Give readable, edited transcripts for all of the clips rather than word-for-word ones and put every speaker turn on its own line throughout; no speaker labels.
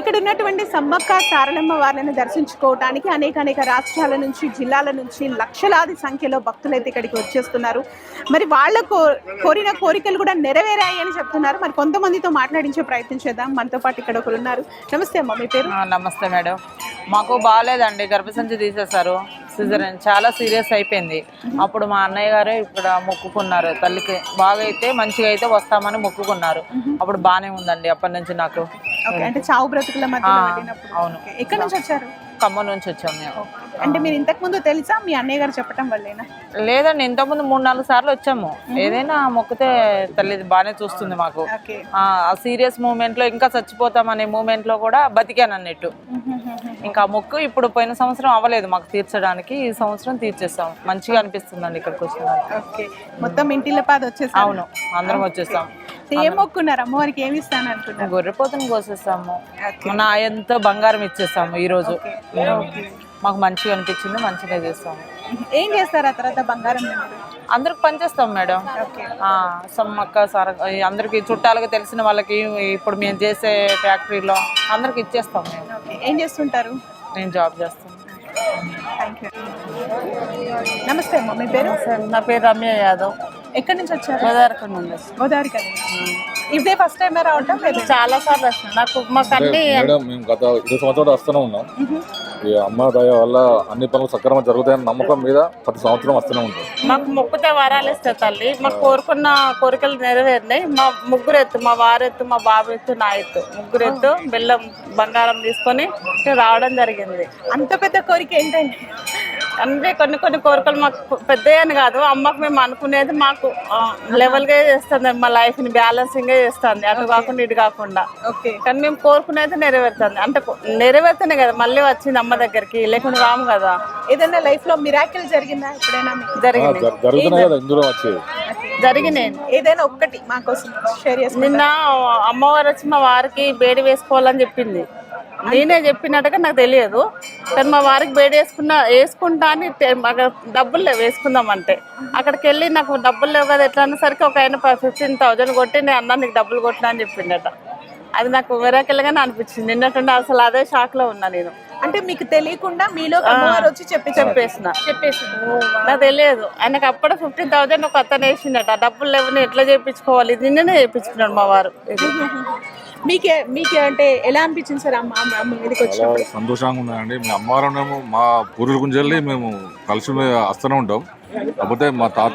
ఇక్కడ ఉన్నటువంటి సమ్మక్క సారలమ్మ వారిని దర్శించుకోవడానికి అనేక రాష్ట్రాల నుంచి, జిల్లాల నుంచి లక్షలాది సంఖ్యలో భక్తులైతే ఇక్కడికి వచ్చేస్తున్నారు. మరి వాళ్ళ కోరిన కోరికలు కూడా నెరవేరాయి అని చెప్తున్నారు. మరి కొంతమందితో మాట్లాడించే ప్రయత్నం చేద్దాం. మనతో పాటు ఇక్కడ ఒకరు ఉన్నారు. నమస్తే అమ్మ, మీ పేరు?
నమస్తే మేడం. మాకు బాగాలేదండి, గర్భసంచి తీసేశారు, సిజరన్ చాలా సీరియస్ అయిపోయింది. అప్పుడు మా అన్నయ్య గారు ఇక్కడ మొక్కుకున్నారు, తల్లికి బాగా అయితే మంచిగా అయితే వస్తామని మొక్కుకున్నారు. అప్పుడు బాగానే ఉందండి అప్పటి నుంచి నాకు.
అంటే చావు బ్రతుకుల మధ్య.
అవును.
ఎక్కడి నుంచి వచ్చారు?
ఖమ్మం నుంచి వచ్చాము మేము.
అంటే మీరు ఇంతకు ముందు తెలుసా, మీ అన్నయ్య గారు చెప్పడం వల్లేనా?
లేదండి, ఇంతకుముందు 3-4 సార్లు వచ్చాము. ఏదైనా మొక్కితే తల్లి బాగానే చూస్తుంది మాకు. ఆ సీరియస్ మూమెంట్ లో, ఇంకా చచ్చిపోతామనే మూమెంట్ లో కూడా బతికాను అన్నట్టు. ఇంకా మొక్కు ఇప్పుడు పోయిన సంవత్సరం అవ్వలేదు మాకు తీర్చడానికి, ఈ సంవత్సరం తీర్చేస్తాం. మంచిగా అనిపిస్తుందండి ఇక్కడికి వచ్చిన.
మొత్తం ఇంటిలో పాద వచ్చేసి.
అవును, అందరం వచ్చేస్తాం.
ఏం మొక్కున్నారు? అమ్మవారికి ఏమి ఇస్తాను అనుకుంటున్నారు?
గొర్రెపోతుని కోసేస్తాము, మన ఎంతో బంగారం ఇచ్చేస్తాము. ఈ రోజు మాకు మంచిగా అనిపించింది, మంచిగా చేస్తాము.
ఏం చేస్తారు ఆ తర్వాత బంగారం?
అందరికి పనిచేస్తాం మేడం. సమ్మక్క సార అందరికి, చుట్టాలకు తెలిసిన వాళ్ళకి, ఇప్పుడు మేము చేసే ఫ్యాక్టరీలో అందరికి ఇచ్చేస్తాం మేము.
ఏం చేస్తుంటారు?
నేను జాబ్ చేస్తాను.
నమస్తే అమ్మ, మీ పేరు?
నా పేరు రమ్య యాదవ్.
ఎక్కడి నుంచి వచ్చారు?
గోదావరిఖండ్ నుండి.
గోదావరిఖండ్. ఇదే ఫస్ట్ టైం రావటం?
చాలా సార్లు వస్తున్నాం. నాకు మాకు అన్ని
మేము గత 20 సంవత్సరాలు వస్తూనే ఉన్నాం. ఈ అమ్మ దయ వల్ల అన్ని పనులు సక్రమంగా జరుగుతాయని నమ్మకం మీద ప్రతి సంవత్సరం వస్తూనే ఉంటాం.
మాకు మొక్కుతే వరాలు ఇస్తే తల్లి, మాకు కోరుకున్న కోరికలు నెరవేరినాయి. మా ముగ్గురు ఎత్తు, మా వారెత్తు, మా బాబు ఎత్తు, నా ఎత్తు, ముగ్గురు ఎత్తు బెల్లం బంగారం తీసుకొని రావడం జరిగింది.
అంత పెద్ద కోరిక ఏంటండి?
అంటే కొన్ని కోరికలు మాకు పెద్దయని కాదు, అమ్మకు మేము అనుకునేది మాకు లెవెల్గా చేస్తుంది, మా లైఫ్ని బ్యాలెన్సింగ్గా చేస్తుంది, అటు కాకుండా ఇటు కాకుండా. కానీ మేము కోరుకునేది నెరవేరుతుంది. అంటే నెరవేరుతనే కదా మళ్ళీ వచ్చింది అమ్మ దగ్గరికి, లేకుండా రాము కదా.
ఏదైనా లైఫ్ లో మిరాకిల్ జరిగిందా ఎప్పుడైనా?
జరిగినాయి.
ఏదైనా ఒక్కటి మా కోసం షేర్ చేసి.
నిన్న అమ్మవారు వచ్చి మా వారికి బేడి వేసుకోవాలని చెప్పింది. నేనే చెప్పినట్టుగా నాకు తెలియదు, కానీ మా వారికి బేడి వేసుకుంటా అని డబ్బులు లేవు వేసుకుందామంటే. అక్కడికి వెళ్ళి నాకు డబ్బులు లేవు కదా ఎట్లా అనేసరికి ఒక ఆయన 15,000 కొట్టి, నేను అన్నా నీకు డబ్బులు కొట్టినా అని చెప్పిండట. అది నాకు మిరాకిల్గానే అనిపించింది. నిన్నట్టుండి అసలు అదే షాక్ లో ఉన్నా నేను.
అంటే మీకు తెలియకుండా మీలో అమ్మవారు వచ్చి చెప్పేసి
నాకు తెలియదు. ఆయనకు అప్పుడు 15,000 ఒక అతను వేసిండట. డబ్బులు లేవు, ఎట్లా చేయించుకోవాలి, నిన్ననే చేయించుకున్నాడు మా వారు.
మీకే అంటే ఎలా అనిపించింది సార్ అమ్మ మీదకి వచ్చినప్పుడు?
సంతోషంగా ఉన్నదండి. మీ అమ్మవారు మా పూర్వీకుల గురించి మేము కలిసి వస్తూనే ఉంటాం. కాకపోతే మా తాత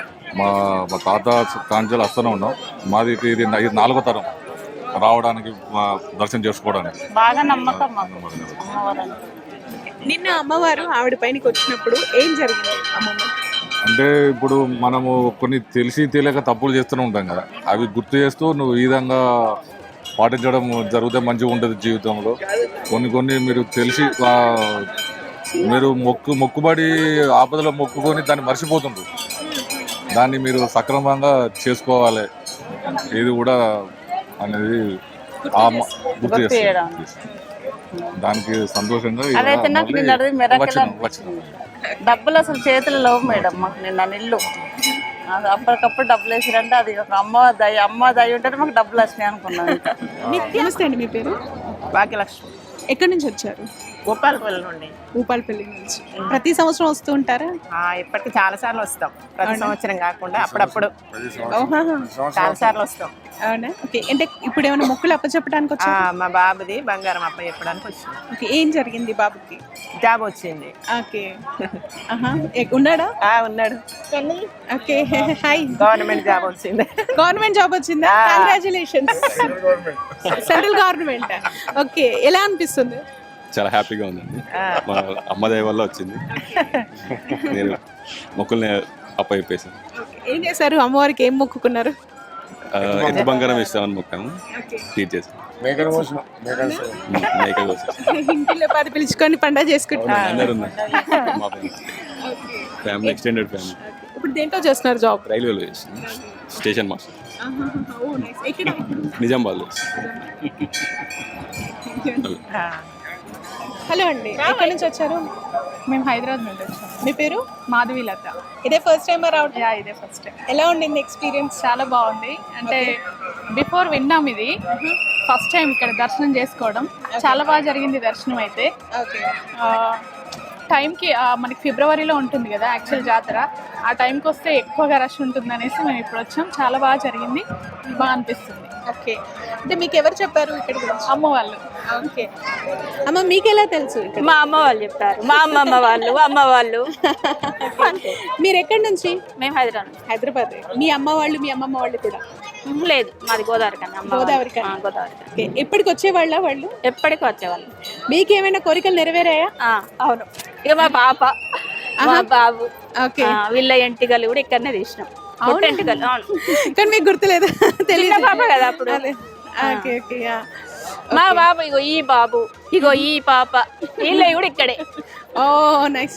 కాంచెలు వస్తూనే ఉన్నాం. మాది ఇది 4వ తరం రావడానికి, దర్శనం చేసుకోవడానికి
బాగా నమ్మకం.
నిన్న అమ్మవారు ఆవిడ పైనకి వచ్చినప్పుడు ఏం జరిగింది అమ్మమ్మ?
అంటే ఇప్పుడు మనము కొన్ని తెలిసి తెలియక తప్పులు చేస్తూనే ఉంటాం కదా, అవి గుర్తు చేస్తూ నువ్వు ఈ విధంగా పాటించడం జరిగితే మంచిగా ఉంటుంది జీవితంలో. కొన్ని మీరు తెలిసి మీరు మొక్కుబడి ఆపదలో మొక్కుకొని దాన్ని మర్చిపోతుండ్రు, దాన్ని మీరు సక్రమంగా చేసుకోవాలి. ఇది కూడా అనేది గుర్తు చేస్తాం. దానికి సంతోషంగా
డబ్బులు అసలు చేతులు లేవు మేడం మాకు. నిన్న నిల్లు అప్పటికప్పుడు డబ్బులు వేసిరంటే అది ఒక అమ్మ దయ ఉంటే మాకు డబ్బులు వచ్చినాయి అనుకున్నాను.
నమస్తే అండి, మీ పేరు?
భాగ్యలక్ష్మి.
ఎక్కడి నుంచి వచ్చారు?
భూపాలపల్లి నుండి.
భూపాలపల్లి నుంచి. ప్రతి సంవత్సరం వస్తూ ఉంటారా?
ఇప్పటికి చాలా సార్లు వస్తాం, ప్రతి సంవత్సరం కాకుండా అప్పుడప్పుడు చాలా సార్లు వస్తాం.
అవునా? ఓకే. అంటే ఇప్పుడు ఏమైనా మొక్కులు అప్పచెప్పడానికి వచ్చా?
మా బాబుది బంగారం అప్ప చెప్పడానికి వచ్చింది.
ఓకే. ఏం జరిగింది బాబుకి?
జాబ్ వచ్చింది.
ఓకే. ఉన్నాడా?
ఉన్నాడు.
ఓకే. హాయ్.
గవర్నమెంట్ జాబ్ వచ్చింది.
గవర్నమెంట్ జాబ్ వచ్చిందా? కంగ్రాచులేషన్స్. Central government. ఓకే. ఎలా అనిపిస్తుంది?
చాలా హ్యాపీగా ఉందండి. మా అమ్మ దయ వల్ల వచ్చింది. నేను మొక్కుల్ని అప్పచెప్పేసాను.
ఏం చేశారు? అమ్మవారికి ఏం మొక్కుకున్నారు?
ఎత్తు బంగారం ఇస్తామని మొక్కాము, తీర్చేసాం. మేక కోసం
ఇంటిలో 10 పిలుచుకొని పండుగ చేసుకుంటున్నారు.
అందరు మా ఫ్యామిలీ, ఎక్స్టెండెడ్ ఫ్యామిలీ.
ఇప్పుడు దేంట్లో చేస్తున్నారు జాబ్?
రైల్వేలో చేస్తున్నాం, స్టేషన్ మాస్టర్. నిజామాబాద్లో.
హలో అండి, ఎక్కడి నుంచి వచ్చారు?
మేము హైదరాబాద్ నుండి వచ్చాము.
మీ పేరు?
మాధవి లత.
ఇదే ఫస్ట్ టైం రావడం?
ఇదే ఫస్ట్ టైం.
ఎలా ఉండింది ఎక్స్పీరియన్స్?
చాలా బాగుంది. అంటే బిఫోర్ విన్నాం ఇది, ఫస్ట్ టైం ఇక్కడ దర్శనం చేసుకోవడం. చాలా బాగా జరిగింది దర్శనం అయితే.
ఓకే.
ఆ, టైంకి మనకి ఫిబ్రవరిలో ఉంటుంది కదా యాక్చువల్ జాతర. ఆ టైంకి వస్తే ఎక్కువగా రష్ ఉంటుంది అనేసి మేము ఇప్పుడు వచ్చాం. చాలా బాగా జరిగింది, బాగా అనిపిస్తుంది.
ఓకే. అంటే మీకు ఎవరు చెప్పారు ఇక్కడ గురించి?
అమ్మ వాళ్ళు.
ఓకే. అమ్మ మీకు ఎలా తెలుసు ఇక్కడ?
మా అమ్మ వాళ్ళు చెప్తారు, మా అమ్మమ్మ వాళ్ళు, అమ్మ వాళ్ళు.
మీరు ఎక్కడి నుంచి?
మేము హైదరాబాద్.
హైదరాబాద్. మీ అమ్మ వాళ్ళు మీ అమ్మమ్మ వాళ్ళు కూడా?
లేదు, మాది గోదావరి కన్నా.
గోదావరి కన్నా.
గోదావరి.
ఓకే. ఎప్పటికి వచ్చేవాళ్ళ వాళ్ళు?
ఎప్పటికీ వచ్చేవాళ్ళు.
మీకేమైనా కోరికలు నెరవేరాయా?
అవును. ఇక మా పాప, మా బాబు,
ఓకే.
వీళ్ళ ఎంటికలు కూడా ఇక్కడనే తీసినాం. పుట్ట ఎంటికలు. అవును.
కానీ మీకు గుర్తులేదు? తెలియదు.
చిన్న పాప కదా అప్పుడు.
ఓకే. ఓకే.
మా బాబు, ఇగో ఈ బాబు, ఇగో ఈ పాప, వీళ్ళ కూడా ఇక్కడే.
Oh nice.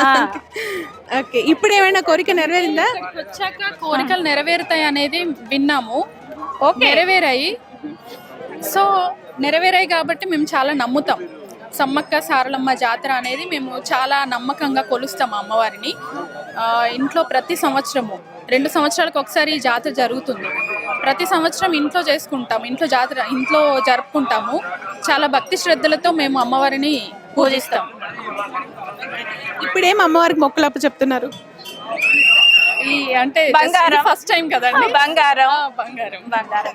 ఓకే. ఇప్పుడు ఏమైనా కోరిక నెరవేరిందా?
వచ్చాక కోరికలు నెరవేరుతాయి అనేది విన్నాము. నెరవేరాయి. సో నెరవేరాయి కాబట్టి మేము చాలా నమ్ముతాం. సమ్మక్క సారలమ్మ జాతర అనేది మేము చాలా నమ్మకంగా కొలుస్తాం అమ్మవారిని. ఇంట్లో ప్రతి సంవత్సరము 2 సంవత్సరాలకు ఒకసారి ఈ జాతర జరుగుతుంది. ప్రతి సంవత్సరం ఇంట్లో చేసుకుంటాం, ఇంట్లో జాతర ఇంట్లో జరుపుకుంటాము. చాలా భక్తి శ్రద్ధలతో మేము అమ్మవారిని పూజిస్తాం.
ఇప్పుడేం అమ్మవారికి మొక్కులప్ప చెప్తున్నారు?
ఈ అంటే
బంగారం.
ఫస్ట్ టైం కదండి.
బంగారం.
బంగారం.
బంగారం.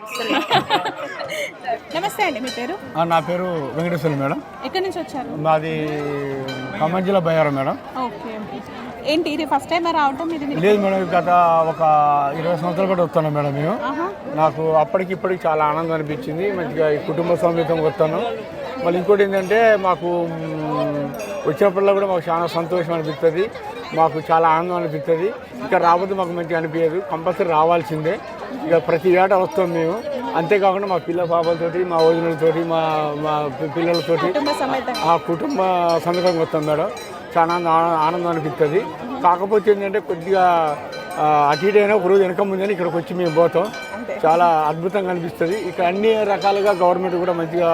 నమస్తే అండి, మీ పేరు?
నా పేరు వెంకటేశ్వర మేడం.
ఎక్కడి నుంచి వచ్చారు?
మాది ఖమ్మం జిల్లా బయ్యారం మేడం.
ఓకే. ఏంటి ఇది ఫస్ట్ టైం రావటం? ఇది
లేదు మేడం, గత ఒక 20 సంవత్సరాల పాటు వస్తున్నాం మేడం మేము. నాకు అప్పటికి ఇప్పటికి చాలా ఆనందం అనిపించింది. మంచిగా ఈ కుటుంబ సమేతంగా వస్తాను. మళ్ళీ ఇంకోటి ఏంటంటే మాకు వచ్చినప్పుడల్లా కూడా మాకు చాలా సంతోషం అనిపిస్తుంది, మాకు చాలా ఆనందం అనిపిస్తుంది. ఇక్కడ రాబోతే మాకు మంచిగా అనిపించదు, కంపల్సరీ రావాల్సిందే. ఇక ప్రతి ఏటా వస్తాం మేము. అంతేకాకుండా మా పిల్ల పాపలతోటి, మా వదినలతోటి, మా మా పిల్లలతోటి ఆ కుటుంబ సమేతంగా వస్తాం మేడం. చాలా ఆనందం అనిపిస్తుంది. కాకపోతే ఏంటంటే కొద్దిగా అటు ఇటు అయినా ఒకరోజు వెనక ముందని ఇక్కడికి వచ్చి మేము పోతాం. చాలా అద్భుతంగా అనిపిస్తుంది. ఇక్కడ అన్ని రకాలుగా గవర్నమెంట్ కూడా మంచిగా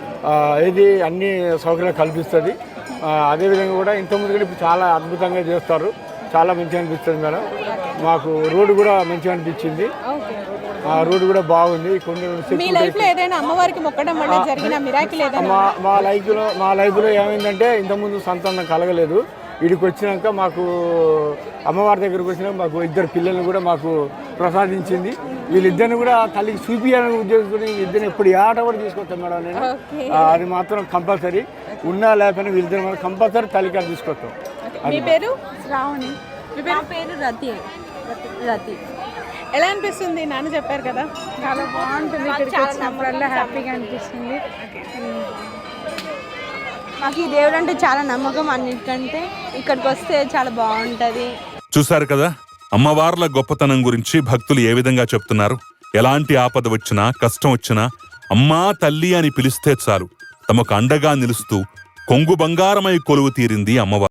అన్ని సౌకర్యాలు కల్పిస్తుంది. అదేవిధంగా కూడా ఇంతకుముందు కూడా ఇప్పుడు చాలా అద్భుతంగా చేస్తారు. చాలా మంచిగా అనిపిస్తుంది మేడం. మాకు రోడ్డు కూడా మంచిగా అనిపించింది. రోడ్డు కూడా బాగుంది.
మీ లైఫ్ లో ఏదైనా అమ్మవారికి మొక్కడం వల్ల జరిగిన మిరాకిల్ ఏదైనా?
మా లైఫ్లో ఏమైందంటే ఇంతకుముందు సంతానం కలగలేదు. వీడికి వచ్చినాక మాకు అమ్మవారి దగ్గరకు వచ్చినాక మాకు 2 పిల్లల్ని కూడా మాకు ప్రసాదించింది. వీళ్ళిద్దరిని కూడా తల్లికి చూపించాలని ఉద్దేశించుకుని ఇద్దరిని ఎప్పుడు ఆట కూడా తీసుకొస్తాం మేడం నేను. అది మాత్రం కంపల్సరీ. ఉన్నా లేకపోయినా వీళ్ళిద్దరు మనం కంపల్సరీ తల్లికి తీసుకొస్తాం.
మీ పేరు?
శ్రావణి. నా పేరు రతి. రతి.
ఎలా అనిపిస్తుంది? నాన్న చెప్పారు కదా.
చాలా బాగుంటుంది. ఇక్కడికి వచ్చినప్పుడల్లా హ్యాపీగా అనిపిస్తుంది. మాకు ఈ దేవుడు అంటే చాలా నమ్మకం. అన్నిటికంటే ఇక్కడికి వస్తే చాలా బాగుంటుంది.
చూశారు కదా అమ్మవార్ల గొప్పతనం గురించి భక్తులు ఏ విధంగా చెప్తున్నారు. ఎలాంటి ఆపద వచ్చినా కష్టం వచ్చినా అమ్మా తల్లి అని పిలిస్తే చాలు తమకు అండగా నిలుస్తూ కొంగు బంగారమై కొలువు తీరింది అమ్మవారు.